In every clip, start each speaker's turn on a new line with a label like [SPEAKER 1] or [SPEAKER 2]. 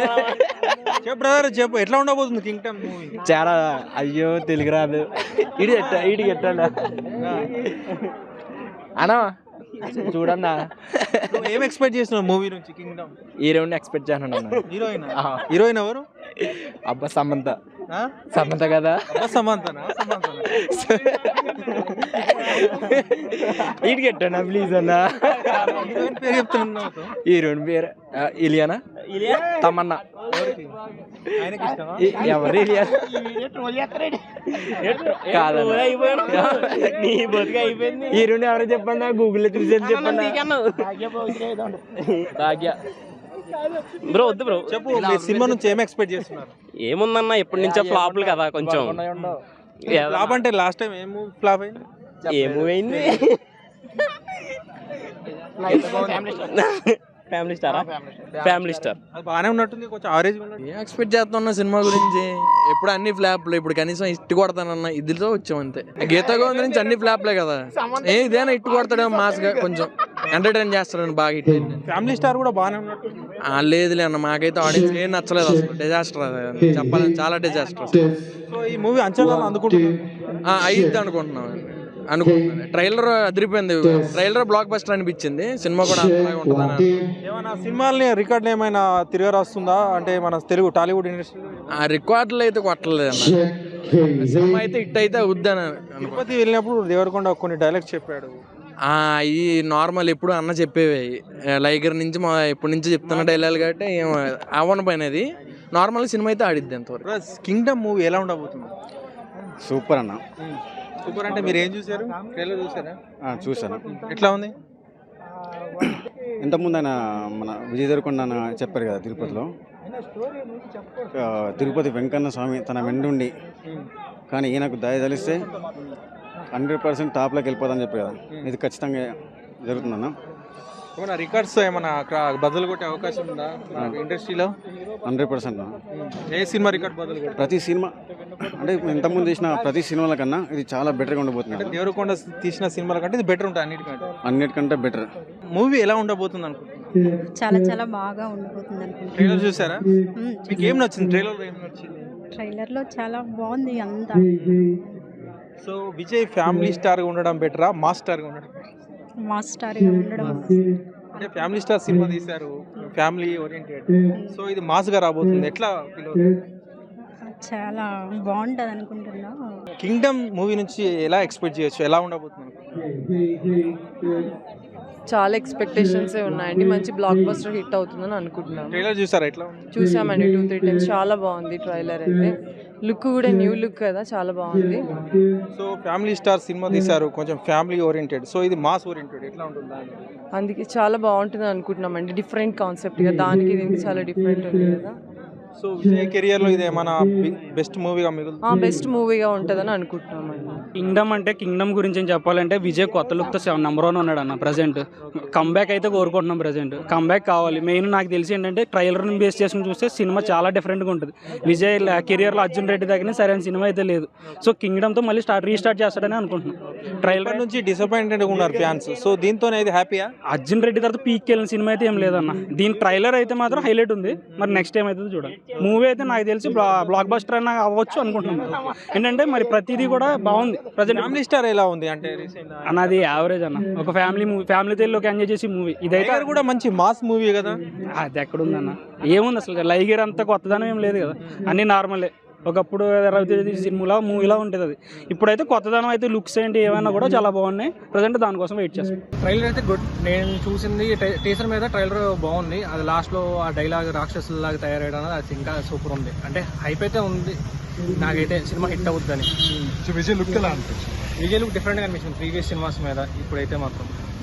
[SPEAKER 1] చెప్పు బ్రదర్ చెప్పు, ఎట్లా ఉండబోతుంది కింగ్డమ్ మూవీ?
[SPEAKER 2] చాలా అయ్యో తెలుగు రాదు ఇడికి ఎట్టండా అన్నా చూడన్నా.
[SPEAKER 1] ఏం ఎక్స్పెక్ట్ చేస్తున్నావు మూవీ నుంచి కింగ్డమ్?
[SPEAKER 2] హీరోయిన్ ఎక్స్పెక్ట్ చేస్తున్నాను.
[SPEAKER 1] హీరోయిన్ ఎవరు?
[SPEAKER 2] అబ్బా సమంత. సమంత కదా?
[SPEAKER 1] సమంతనా?
[SPEAKER 2] ఇడికి ఎట్టండా ప్లీజ్ అన్నా.
[SPEAKER 1] పేరు చెప్తున్నా.
[SPEAKER 2] హీరోయిన్ పేరు ఇలియానా తమన్నా. ఎవరు ఇలియా కాదన్నా. హీరోయిన్ ఎవరో చెప్పండి, గూగుల్లో చూసేది చెప్పండి. భాగ్య.
[SPEAKER 3] బ్రో వద్దు బ్రో
[SPEAKER 1] చెప్పు, సినిమా నుంచి ఏం ఎక్స్పెక్ట్ చేస్తున్నారు?
[SPEAKER 3] ఏముందన్న ఎప్పటి నుంచో ఫ్లాప్లు కదా కొంచెం.
[SPEAKER 1] ఫ్లాప్ అంటే లాస్ట్ టైం ఏం మూవీ ఫ్లాప్ అయింది?
[SPEAKER 3] ఏ మూవీ అయింది? Family star.
[SPEAKER 1] అది బాగానే ఉన్నట్టుంది, కొంచెం ఆవరేజ్.
[SPEAKER 4] ఏం ఎక్స్పెక్ట్ చేస్తున్నా సినిమా గురించి? ఎప్పుడు అన్ని ఫ్లాప్లు, ఇప్పుడు కనీసం హిట్ కొడతానన్నా ఇదితో వచ్చాం అంతే. గీతా గోవింద్ నుంచి అన్ని ఫ్లాప్లే కదా, ఇదేనా హిట్ కొడతాడేమో మాస్ గా, కొంచెం ఎంటర్టైన్ చేస్తాడని బాగా హిట్ అయింది.
[SPEAKER 1] ఫ్యామిలీ స్టార్ కూడా బాగానే ఉన్నట్టు.
[SPEAKER 4] లేదులే అన్న, మాకైతే ఆడియన్స్ ఏం నచ్చలేదు అసలు. డిజాస్టర్ చెప్పాలని, చాలా డిజాస్టర్.
[SPEAKER 1] సో ఈ మూవీ అంచనాలు అందుకుంటున్నాను
[SPEAKER 4] అయిద్ది అనుకుంటున్నాం. ట్రైలర్ అదిరిపోయింది. ట్రైలర్ బ్లాక్ బస్టర్ అనిపించింది. సినిమా కూడా ఉంటుందని.
[SPEAKER 1] ఏమైనా సినిమాల్ని రికార్డులు ఏమైనా తిరిగి రాస్తుందా అంటే మన తెలుగు టాలీవుడ్ ఇండస్ట్రీ?
[SPEAKER 4] ఆ రికార్డులు అయితే కొట్టలేదు అన్న. సినిమా అయితే హిట్ అయితే అవుద్దని.
[SPEAKER 1] తిరుపతి వెళ్ళినప్పుడు దేవరకొండ కొన్ని డైలాగ్స్ చెప్పాడు.
[SPEAKER 4] ఈ నార్మల్ ఎప్పుడు అన్న చెప్పేవి లైగర్ నుంచి ఎప్పటి నుంచి చెప్తున్న డైలాగ్ కాబట్టి ఏం అవ్వని పోయినది. నార్మల్ సినిమా అయితే ఆడిద్ది అంతవరకు.
[SPEAKER 1] కింగ్డమ్ మూవీ ఎలా ఉండబోతుంది?
[SPEAKER 2] సూపర్ అన్న.
[SPEAKER 1] సూపర్ అంటే మీరు ఏం చూసారు? ట్రైలర్ చూసారా?
[SPEAKER 2] చూసాను.
[SPEAKER 1] ఎట్లా ఉంది?
[SPEAKER 2] ఇంతకుముందు ఆయన మన విజయ్ దేవరకొండ చెప్పారు కదా తిరుపతిలో, తిరుపతి వెంకన్న స్వామి తన వెండుండి కానీ ఈయనకు దయ తలిస్తే 100% టాప్లోకి వెళ్ళిపోదని చెప్పారు కదా. ఇది ఖచ్చితంగా జరుగుతుందన్న.
[SPEAKER 1] ఏమైనా రికార్డ్స్ ఏమైనా బదులు కొట్టే అవకాశం ఉందా ఇండస్ట్రీలో?
[SPEAKER 2] 100%.
[SPEAKER 1] ఏ సినిమా రికార్డ్ బదులు కొట్టే?
[SPEAKER 2] ప్రతి సినిమా అంటే ఇంతకుముందు తీసిన ప్రతి సినిమాల కన్నా ఇది చాలా బెటర్గా ఉండబోతుంది.
[SPEAKER 1] దేవరకొండ తీసిన సినిమాల కంటే ఇది బెటర్ ఉంటుంది
[SPEAKER 2] అన్నిటికంటే బెటర్.
[SPEAKER 1] మూవీ ఎలా ఉండబోతుంది అనుకుంటున్నాను?
[SPEAKER 5] చాలా చాలా బాగా ఉండబోతుంది అనుకుంటున్నాను.
[SPEAKER 1] ట్రైలర్ చూసారా? మీకు ఏం నచ్చింది ట్రైలర్? ఏం నచ్చింది?
[SPEAKER 5] ట్రైలర్లో చాలా బాగుంది అంతా.
[SPEAKER 1] సో విజయ్ ఫ్యామిలీ స్టార్గా ఉండడం బెటరా, మాస్ స్టార్గా ఉండడం?
[SPEAKER 5] మాస్ స్టార్గా ఉండడం.
[SPEAKER 1] అంటే ఫ్యామిలీ స్టార్ సినిమా తీశారు, ఫ్యామిలీ ఓరియంటెడ్. సో ఇది మాస్గా రాబోతుంది, ఎట్లా ఫీల్ అవుతుంది?
[SPEAKER 5] చాలా బాగుంటుంది అనుకుంటున్నా.
[SPEAKER 1] కింగ్డమ్ మూవీ నుంచి ఎలా ఎక్స్పెక్ట్ చేయొచ్చు, ఎలా ఉండబోతుంది?
[SPEAKER 6] చాలా ఎక్స్పెక్టేషన్స్ ఉన్నాయండి. మంచి బ్లాక్ బస్టర్ హిట్ అవుతుందని అనుకుంటున్నాను.
[SPEAKER 1] ట్రైలర్ చూసారా? ఎట్లా?
[SPEAKER 6] చూసామండి 2-3 టైమ్స్. చాలా బాగుంది ట్రైలర్ అయితే. లుక్ కూడా న్యూ లుక్ కదా, చాలా బాగుంది.
[SPEAKER 1] సో ఫ్యామిలీ స్టార్ సినిమా తీశారు, కొంచెం ఫ్యామిలీ ఓరియంటెడ్. సో ఇది మాస్ ఓరియంటెడ్, ఎట్లా ఉంటుంది?
[SPEAKER 6] అందుకే చాలా బాగుంటుంది అనుకుంటున్నామండి. డిఫరెంట్ కాన్సెప్ట్ కదా, దానికి దీనికి చాలా డిఫరెంట్ ఉంది కదా.
[SPEAKER 1] సో విజయ్ కెరియర్ లో ఇది ఏమైనా బెస్ట్ మూవీగా మిగులుతుంది?
[SPEAKER 6] బెస్ట్ మూవీగా ఉంటుందని అనుకుంటున్నామండి.
[SPEAKER 7] కింగ్డమ్ అంటే కింగ్డమ్ గురించి చెప్పాలంటే విజయ్ కొత్త లుక్తో నెంబర్ 1 ఉన్నాడు అన్న. ప్రజెంట్ కంబ్యాక్ అయితే కోరుకుంటున్నాం. ప్రజెంట్ కంబ్యాక్ కావాలి. మెయిన్ నాకు తెలిసి ఏంటంటే ట్రైలర్ని బేస్ చేసుకుని చూస్తే సినిమా చాలా డిఫరెంట్గా ఉంటుంది. విజయ్ కెరియర్లో అర్జున్ రెడ్డి దగ్గర సరైన సినిమా అయితే లేదు. సో కింగ్డమ్తో మళ్ళీ రీస్టార్ట్ చేస్తాడని అనుకుంటున్నాం. ట్రైలర్ నుంచి
[SPEAKER 1] డిసప్పాయింటెడ్గా ఉన్నారు ఫ్యాన్స్. సో దీంతో అయితే హ్యాపీయా?
[SPEAKER 7] అర్జున్ రెడ్డి తర్వాత పీక్కి వెళ్ళిన సినిమా అయితే ఏం లేదన్న. దీని ట్రైలర్ అయితే మాత్రం హైలైట్ ఉంది. మరి నెక్స్ట్ టైం అయితే చూడాలి. మూవీ అయితే నాకు తెలిసి బ్లాక్ బస్టర్ అయినా అవ్వచ్చు అనుకుంటున్నాను. ఏంటంటే మరి ప్రతిదీ కూడా బాగుంది. ప్రజెంట్
[SPEAKER 1] ఫ్యామిలీ స్టార్ ఎలా ఉంది అంటే
[SPEAKER 7] అన్నది యావరేజ్ అన్న. ఒక ఫ్యామిలీ మూవీ, ఫ్యామిలీతో ఎంజాయ్ చేసి మూవీ. ఇదైతే
[SPEAKER 1] కూడా మంచి మాస్ మూవీ కదా.
[SPEAKER 7] అది ఎక్కడుందన్న? ఏముంది అసలు? లైగర్ అంతా కొత్తదనం ఏం లేదు కదా, అన్నీ నార్మలే. ఒకప్పుడు రవితేజ సినిమాలో మూవీలా ఉంటుంది అది. ఇప్పుడైతే కొత్తదనం అయితే లుక్స్ ఏంటి ఏమైనా కూడా చాలా బాగున్నాయి. ప్రజెంట్ దానికోసం వెయిట్ చేస్తాం.
[SPEAKER 8] ట్రైలర్ అయితే గుడ్. నేను చూసింది టీజర్ మీద ట్రైలర్ బాగుంది. అది లాస్ట్లో ఆ డైలాగ్ రాక్షసులాగా తయారయ్యడం అది ఇంకా సూపర్ ఉంది. అంటే హైప్ అయితే ఉంది. నాకైతే సినిమా హిట్ అవుతుందని.
[SPEAKER 1] విజయ్ లుక్ ఎలా అనిపించింది?
[SPEAKER 8] విజయ్ లుక్ డిఫరెంట్గా అనిపించింది ప్రీవియస్ సినిమాస్ మీద. ఇప్పుడైతే మాత్రం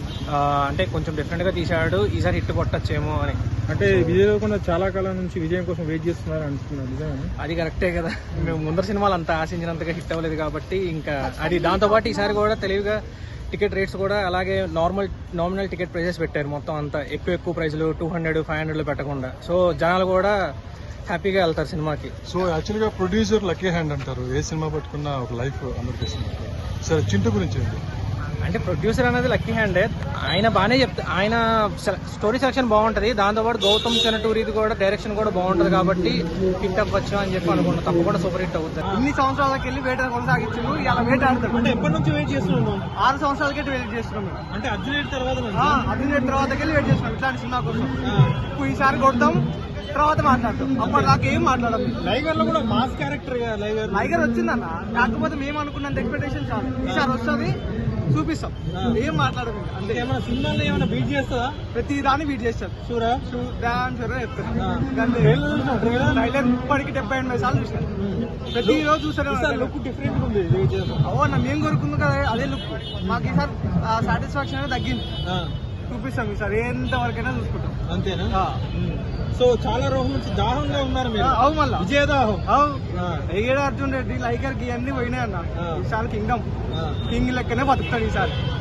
[SPEAKER 8] అంటే కొంచెం డిఫరెంట్గా తీశాడు. ఈసారి హిట్ కొట్టచ్చేమో అని.
[SPEAKER 1] అంటే విజయ్ దేవరకొండ చాలా కాలం నుంచి విజయం కోసం వెయిట్ చేస్తున్నారు అంటున్నారు.
[SPEAKER 8] అది కరెక్టే కదా. మేము ముందర సినిమాలు అంత ఆశించినంతగా హిట్ అవ్వలేదు కాబట్టి ఇంకా అది. దాంతోపాటు ఈసారి కూడా తెలివిగా టికెట్ రేట్స్ కూడా అలాగే నామినల్ టికెట్ ప్రైజెస్ పెట్టారు. మొత్తం అంతా ఎక్కువ ప్రైజులు 200-500 పెట్టకుండా. సో జనాలు కూడా హ్యాపీగా వెళ్తారు సినిమాకి.
[SPEAKER 9] సో యాక్చువల్గా ప్రొడ్యూసర్ లక్కీ హ్యాండ్ అంటారు. ఏ సినిమా పట్టుకున్నా ఒక లైఫ్ అందరికి ఇస్తున్నారు. సరే చింటూ గురించి ఏంటి?
[SPEAKER 8] అంటే ప్రొడ్యూసర్ అనేది లక్కీ హ్యాండ్. ఆయన బాగానే ఆయన స్టోరీ సెలక్షన్ బాగుంటది, దాంతోపాటు గౌతమ్ చెనటూరిది కూడా డైరెక్షన్ కూడా బాగుంటది కాబట్టి హిట్ అవ్వచ్చు అని చెప్పి అనుకుంటున్నాను. తప్పకుండా సూపర్ హిట్ అవుతుంది.
[SPEAKER 9] ఇన్ని సంవత్సరాలకి వెళ్ళి వేట కొనసాగించారు, ఇలా వేట ఆడతారు.
[SPEAKER 1] అంటే ఎప్పటి నుంచి వెయిట్ చేస్తున్నాం?
[SPEAKER 9] 6 సంవత్సరాలకి వెయిట్ చేస్తున్నాం.
[SPEAKER 1] అంటే అర్జున్ తర్వాత
[SPEAKER 9] అర్జున్ తర్వాతకి వెళ్ళి వెయిట్ చేస్తున్నాం ఇట్లాంటి సినిమా కోసం. ఇప్పుడు ఈసారి కొడతాం, తర్వాత మాట్లాడతాం. అప్పటిదాకా ఏం మాట్లాడడం.
[SPEAKER 1] లైగర్ లో కూడా మాస్ క్యారెక్టర్
[SPEAKER 9] లైగర్ వచ్చిందన్న, కాకపోతే మేము అనుకున్నంత ఎక్స్పెక్టేషన్ చాలు. ఈసారి వస్తుంది, చూపిస్తాం. ఏం మాట్లాడము. అంటే
[SPEAKER 1] ఏమైనా సినిమాలో ఏమైనా బీట్ చేస్తుందా?
[SPEAKER 9] ప్రతి దాన్ని బీట్ చేస్తారు.
[SPEAKER 1] షూరా?
[SPEAKER 9] డాన్స్ చెప్తారు. ట్రైలర్ ఇప్పటికి 78 సార్లు చూసారు. ప్రతి రోజు చూసారు.
[SPEAKER 1] లుక్ డిఫరెంట్ ఉంది.
[SPEAKER 9] అవునా, మేము కోరుకుందాం కదా అదే లుక్. మాకు ఈసారి సాటిస్ఫాక్షన్ అనేది తగ్గింది. చూపిస్తాం ఈసారి ఎంతవరకైనా చూసుకుంటాం.
[SPEAKER 1] అంతేనా? సో చాలా రోజుల నుంచి దాహంగా ఉన్నారు మీరు.
[SPEAKER 9] అవు మళ్ళా
[SPEAKER 1] విజయదాహం.
[SPEAKER 9] అవు అర్జున్ రెడ్డి లైకర్ కి అన్ని పోయినాయి అన్న. ఈసారి కింగ్ లెక్కనే బతుకుతాడు ఈసారి.